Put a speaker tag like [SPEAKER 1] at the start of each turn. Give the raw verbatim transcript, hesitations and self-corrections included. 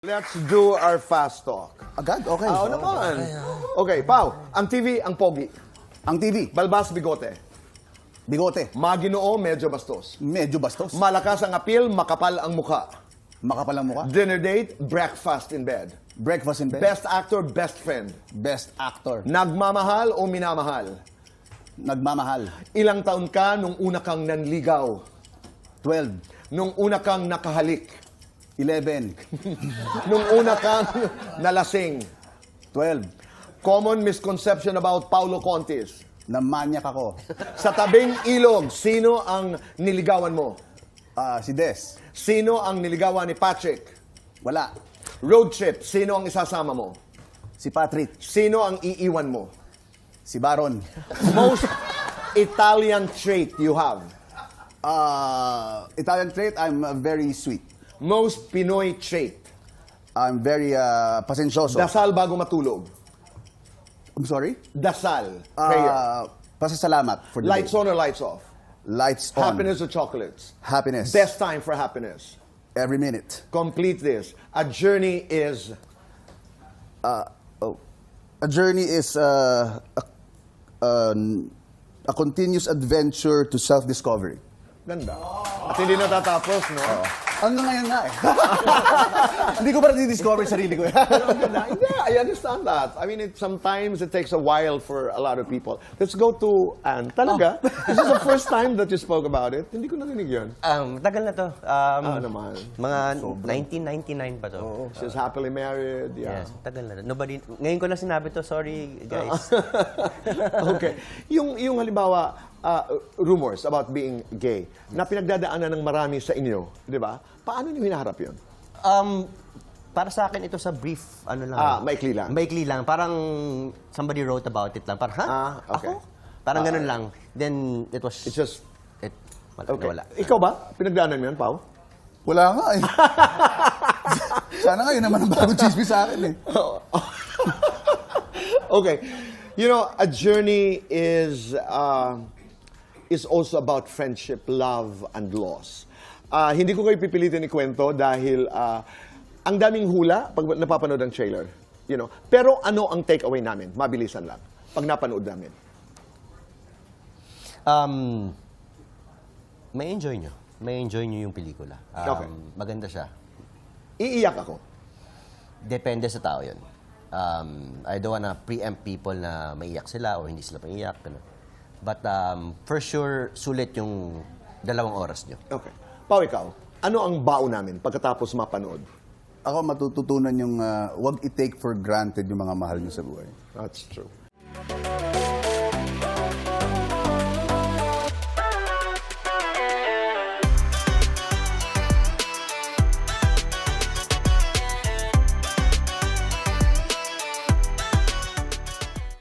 [SPEAKER 1] Let's do our fast talk.
[SPEAKER 2] Agad? Okay.
[SPEAKER 1] Ah, Oo naman. Okay, Pao, ang T V, ang pogi.
[SPEAKER 2] Ang T V,
[SPEAKER 1] Balbas, bigote.
[SPEAKER 2] bigote,
[SPEAKER 1] Maginoo, medyo bastos.
[SPEAKER 2] medyo bastos,
[SPEAKER 1] Malakas ang appeal, makapal ang mukha.
[SPEAKER 2] makapal ang mukha,
[SPEAKER 1] Dinner date, breakfast in bed.
[SPEAKER 2] breakfast in bed,
[SPEAKER 1] Best actor, best friend.
[SPEAKER 2] best actor,
[SPEAKER 1] Nagmamahal o minamahal?
[SPEAKER 2] nagmamahal,
[SPEAKER 1] Ilang taon ka nung una kang nanligaw?
[SPEAKER 2] twelve,
[SPEAKER 1] Nung una kang nakahalik?
[SPEAKER 2] eleven,
[SPEAKER 1] Nung una kang nalasing?
[SPEAKER 2] twelve,
[SPEAKER 1] Common misconception about Paulo Contis.
[SPEAKER 2] na manyak ako.
[SPEAKER 1] Sa tabing ilog, sino ang niligawan mo?
[SPEAKER 2] Ah, si Des,
[SPEAKER 1] Sino ang niligawan ni Patrick?
[SPEAKER 2] wala.
[SPEAKER 1] Road trip, sino ang isasama mo?
[SPEAKER 2] Si Patrick,
[SPEAKER 1] Sino ang iiwan mo?
[SPEAKER 2] si Baron.
[SPEAKER 1] Most Italian trait you have?
[SPEAKER 2] Ah, Italian trait, I'm uh, very sweet.
[SPEAKER 1] Most Pinoy trait?
[SPEAKER 2] I'm very uh, pasensyoso.
[SPEAKER 1] Dasal bago matulog.
[SPEAKER 2] I'm sorry?
[SPEAKER 1] Dasal. Prayer.
[SPEAKER 2] Ah, pasasalamat for the
[SPEAKER 1] Lights
[SPEAKER 2] day.
[SPEAKER 1] on or lights off?
[SPEAKER 2] Lights on.
[SPEAKER 1] Happiness or chocolates?
[SPEAKER 2] Happiness.
[SPEAKER 1] Best time for happiness.
[SPEAKER 2] Every minute.
[SPEAKER 1] Complete this. A journey is...
[SPEAKER 2] Oh. A journey is uh, a, an- a continuous adventure to self-discovery.
[SPEAKER 1] Ganda. At hindi natatapos, no?
[SPEAKER 2] Hanggang ngayon nga eh. Hindi ko pa na-discover sarili ko eh.
[SPEAKER 1] Ganda. Yeah, I understand that. I mean, it, sometimes it takes a while for a lot of people. Let's go to Anne. Talaga? This is the first time that you spoke about it. Hindi ko narinig yun.
[SPEAKER 3] Um, tagal na to. Um,
[SPEAKER 1] Ah, naman.
[SPEAKER 3] Mga nineteen ninety-nine pa to.
[SPEAKER 1] Oh, she's happily married. Yeah.
[SPEAKER 3] Yes, tagal na to. Nobody, ngayon ko lang sinabi to, sorry guys.
[SPEAKER 1] Okay. Yung, yung halimbawa, uh, rumors about being gay, na pinagdadaanan ng marami sa inyo, di ba? Paano niyo hinaharap yun?
[SPEAKER 3] Um, para sa akin ito sa brief, ano lang.
[SPEAKER 1] Ah, maikli lang.
[SPEAKER 3] Maikli lang. Parang somebody wrote about it lang. Parang, ha?
[SPEAKER 1] Ah, okay.
[SPEAKER 3] Ako? Parang ganun lang. Then, it was...
[SPEAKER 1] It's just...
[SPEAKER 3] It, wala,
[SPEAKER 1] Okay.
[SPEAKER 3] wala.
[SPEAKER 1] Ikaw ba? Pinagdaanan mo yan, Pao?
[SPEAKER 2] Wala nga eh. Sana ngayon naman ang bagong chismis sa akin eh.
[SPEAKER 1] Okay. You know, a journey is uh, is also about friendship, love, and loss. Uh, hindi ko kayo pipilitin ikwento dahil uh, ang daming hula pag napapanood ang trailer. You know? Pero ano ang takeaway namin? Mabilisan lang. Pag napanood namin.
[SPEAKER 3] Um, may enjoy nyo. May enjoy nyo yung pelikula. Um,
[SPEAKER 1] Okay.
[SPEAKER 3] Maganda siya.
[SPEAKER 1] Iiyak ako.
[SPEAKER 3] Depende sa tao yun. Um, I don't wanna preempt people na maiyak sila o hindi sila maiyak. Ganun. But um, for sure, sulit yung dalawang oras nyo.
[SPEAKER 1] Okay. Pao, ikaw. Ano ang bao namin pagkatapos mapanood?
[SPEAKER 2] Ako matututunan yung uh, wag i-take for granted yung mga mahal niyo sa buhay.
[SPEAKER 1] That's true.